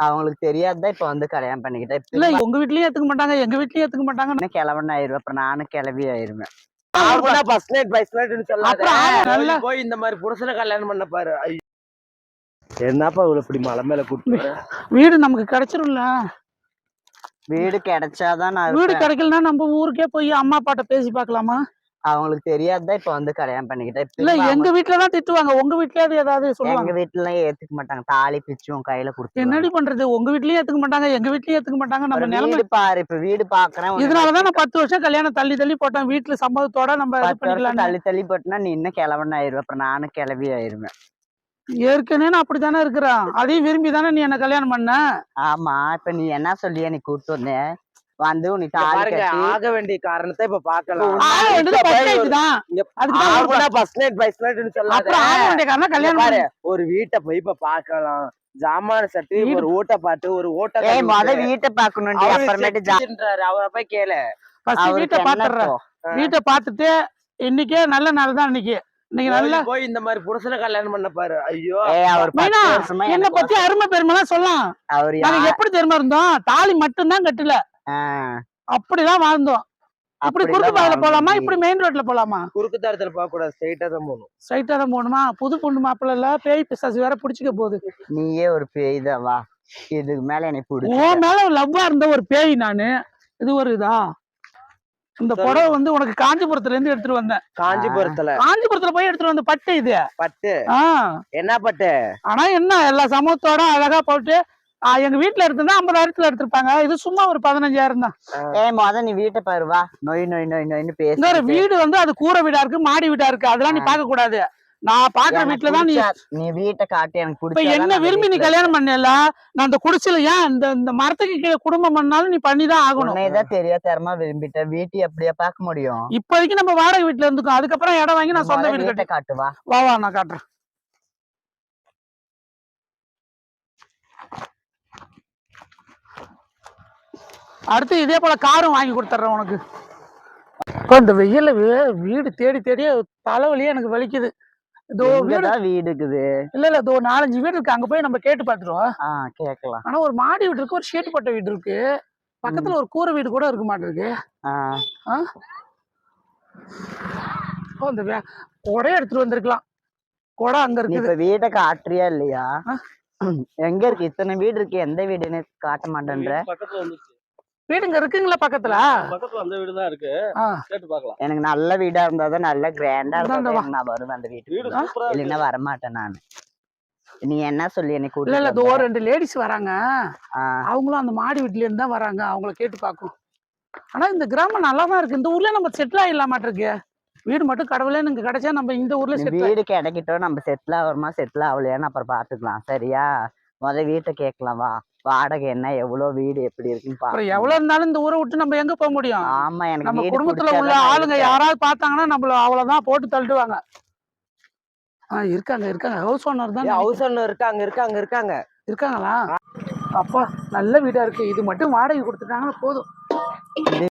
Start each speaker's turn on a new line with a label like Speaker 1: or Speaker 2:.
Speaker 1: அவங்களுக்கு தெரியாதுதான் இப்ப வந்து கல்யாணம் பண்ணிக்கிட்டேன்.
Speaker 2: இல்ல உங்க வீட்லயும் ஏத்துக்க மாட்டாங்க, எங்க வீட்லயும் ஏத்துக்க மாட்டாங்க.
Speaker 1: என்ன கிழவன் ஆயிருவேன், அப்புறம் நானும் கிளவி ஆயிருவேன்.
Speaker 3: போய் இந்த மாதிரி புருஷனை கல்யாணம் பண்ண பாரு. என்னப்பா இவ்வளவு இப்படி மலை மேல கூட்டு
Speaker 2: வீடு நமக்கு கிடைச்சிரும்ல.
Speaker 1: வீடு கிடைச்சாதான்
Speaker 2: வீடு கிடைக்கலன்னா நம்ம ஊருக்கே போய் அம்மா அப்பாட்ட பேசி பாக்கலாமா?
Speaker 1: அவங்களுக்கு தெரியாதுதான் இப்ப வந்து கல்யாணம் பண்ணிக்கிட்டேன்.
Speaker 2: இல்ல எங்க வீட்டுலதான் திட்டுவாங்க, உங்க வீட்லயாவது ஏதாவது சொல்லுவாங்க?
Speaker 1: எங்க வீட்டுல ஏத்துக்க மாட்டாங்க, தாலி பிச்சும் கையில கொடுத்து.
Speaker 2: என்னடி பண்றது, உங்க வீட்லயும் ஏத்துக்க மாட்டாங்க, எங்க வீட்லயும் ஏத்துக்க மாட்டாங்க. நம்ம நிலைமை
Speaker 1: பாரு, இப்ப வீடு பாக்குறேன்.
Speaker 2: இதனாலதான் நான் 10 வருஷம் கல்யாணம் தள்ளி தள்ளி போட்டேன். வீட்டுல சம்மதத்தோட நம்ம
Speaker 1: தள்ளி தள்ளி போட்டுனா நீ இன்னும் கிழவன் ஆயிருவேன், அப்புறம் நானும் கிளவி ஆயிருவேன்.
Speaker 2: ஏற்கனவே நான் அப்படித்தானே இருக்கிறேன், அதையும் விரும்பி தானே நீ என்ன கல்யாணம் பண்ண.
Speaker 1: ஆமா, இப்ப நீ என்ன சொல்லியா நீ கூப்பிட்டு வந்த வந்து உனக்கு
Speaker 3: ஆக வேண்டிய காரணத்தை இப்ப பாக்கலாம். ஒரு வீட்டை போய் இப்ப பாக்கலாம், ஜாமான சட்டி ஒரு ஓட்ட பாட்டு ஒரு ஓட்ட
Speaker 1: வீட்டை பாக்கணும். அப்புறமேட்டு
Speaker 3: அவரை போய் கேளு.
Speaker 2: வீட்டை பாத்துறேன், வீட்டை பாத்துட்டு இன்னைக்கே நல்ல நாள் தான். இன்னைக்கு
Speaker 3: போய் இந்த மாதிரி புருஷனை கல்யாணம் பண்ண பாரு. ஐயோ,
Speaker 2: என்ன பத்தி அருமை பெருமை சொல்லலாம். எப்படி தெரியுமா இருந்தோம், தாலி மட்டும்தான் கட்டல, அப்படிதான் வாழ்ந்தோம். இப்படி குறுக்கு பாதையில போலாமா, இப்படி மெயின் ரோட்ல போலாமா?
Speaker 3: குறுக்கு தாரத்துல போக கூடாது, ஸ்ட்ரைட்டா தான் போகணும்.
Speaker 2: ஸ்ட்ரைட்டா தான் போகணுமா? புது பொண்ணு மாப்பிள்ள இல்ல, பேய் பிசாசு வேற பிடிச்சிக்க போகுது.
Speaker 1: நீயே ஒரு பேய் தான், வா இதுக்கு மேல என்னை பிடிச்சி.
Speaker 2: உன் மேல லவ்வா இருந்த ஒரு பேய் நானு. இது ஒரு இதா, இந்த புடவை வந்து உனக்கு காஞ்சிபுரத்துல இருந்து எடுத்துட்டு வந்தேன். காஞ்சிபுரத்துல போய் எடுத்துட்டு வந்த பட்டு. இது
Speaker 3: பட்டு என்ன பட்டு?
Speaker 2: ஆனா என்ன எல்லா சமூகத்தோட அழகா போட்டு எங்க வீட்டுல எடுத்திருந்தா 50,000 எடுத்திருப்பாங்க. இது சும்மா ஒரு 15,000 தான்.
Speaker 1: நீ வீட்டை பாருவா, நொய் நொய் நொய் நொய்னு பேச.
Speaker 2: வீடு வந்து அது கூரை வீடா இருக்கு, மாடி வீடா இருக்கு, அதெல்லாம் நீ பாக்க கூடாது. நான் பாக்குற வீட்டுலதான்
Speaker 1: நீ வீட்டை காட்டி எனக்கு
Speaker 2: இப்ப என்ன விரும்பி நீ கல்யாணம் பண்ணல. நான் அந்த குடிசையில ஏன் இந்த மரத்துக்கு கீழே குடும்பம் பண்ணாலும் நீ பண்ணிதான் ஆகணும்.
Speaker 1: தெரியாதரமா விரும்பிட்டேன், வீட்டை அப்படியே பார்க்க முடியும்.
Speaker 2: இப்போதைக்கு நம்ம வாடகை வீட்டுல இருந்துக்கோம், அதுக்கப்புறம் இடம் வாங்கி நான் சொந்த வீடு கட்ட
Speaker 1: காட்டுவா.
Speaker 2: வா நான் காட்டுறேன். அடுத்து இதே போல காரும் வாங்கி கொடுத்துட்றேன் உனக்கு. இந்த வெயில வீடு தேடி தேடி தலைவலியே எனக்கு வலிக்குது. இதோ
Speaker 1: வீடு இருக்குது.
Speaker 2: இல்ல இதோ 4-5 வீடு இருக்கு, அங்க போய் நம்ம கேட்டு பாத்துருவோம்.
Speaker 1: கேட்கலாம்.
Speaker 2: ஆனா ஒரு மாடி வீடு இருக்கு, ஒரு ஷேட்டு போட்ட வீடு இருக்கு, பக்கத்துல ஒரு கூரை வீடு கூட இருக்க மாட்டிருக்கு. இந்த கொடையை எடுத்துட்டு வந்திருக்கலாம், கொடை அங்க இருக்கு.
Speaker 1: இப்ப வீட்டை காட்டுறியா இல்லையா? எங்க இருக்கு இத்தனை வீடு இருக்கு, எந்த வீடுன்னு காட்ட மாட்டேன்ற.
Speaker 2: வீடுங்க இருக்குங்களா பக்கத்துல?
Speaker 3: அந்த வீடு தான் இருக்கு, கேட்டு பார்க்கலாம்.
Speaker 1: எனக்கு நல்ல வீடா இருந்தாதான் நல்ல கிராண்டா இருந்தா நான் வருவேன் அந்த வீட்டுக்கு, இல்லைன்னா வரமாட்டேன் நானு. நீ என்ன சொல்லி என்னை கூட்டு?
Speaker 2: இல்ல இதோ 2 லேடிஸ் வராங்க, அவங்களும் அந்த மாடி வீட்டுல இருந்து தான் வராங்க, அவங்கள கேட்டு பார்க்கும். ஆனா இந்த கிராமம் நல்லாதான் இருக்கு, இந்த ஊர்ல நம்ம செட்டில் ஆயிடலாமாட்டு இருக்கு. வீடு மட்டும் கடவுளே எனக்கு கிடைச்சா நம்ம இந்த ஊர்ல
Speaker 1: வீடு கிடைக்கிட்டோம், நம்ம செட்டில் ஆகிறோமா செட்டில் ஆகலையான்னு அப்புறம் பாத்துக்கலாம். சரியா, வீட்டை கேட்கலாம். வா, வாடகை என்ன, எவ்வளவு வீடு எப்படி இருக்குன்னு
Speaker 2: எவ்வளவு இருந்தாலும் இந்த ஊரை விட்டு நம்ம எங்க போக முடியும்?
Speaker 1: ஆமா, எனக்கு
Speaker 2: நம்ம குடும்பத்துல உள்ள ஆளுங்க யாராவது பார்த்தாங்கன்னா நம்மள அவ்வளவுதான் போட்டு தள்ளிடுவாங்க. இருக்காங்க ஹவுஸ் ஓனர் தான்.
Speaker 3: ஹவுஸ் ஓனர் இருக்காங்களா?
Speaker 2: அப்பா நல்ல வீடா இருக்கு, இது மட்டும் வாடகை கொடுத்துட்டாங்கன்னா போதும்.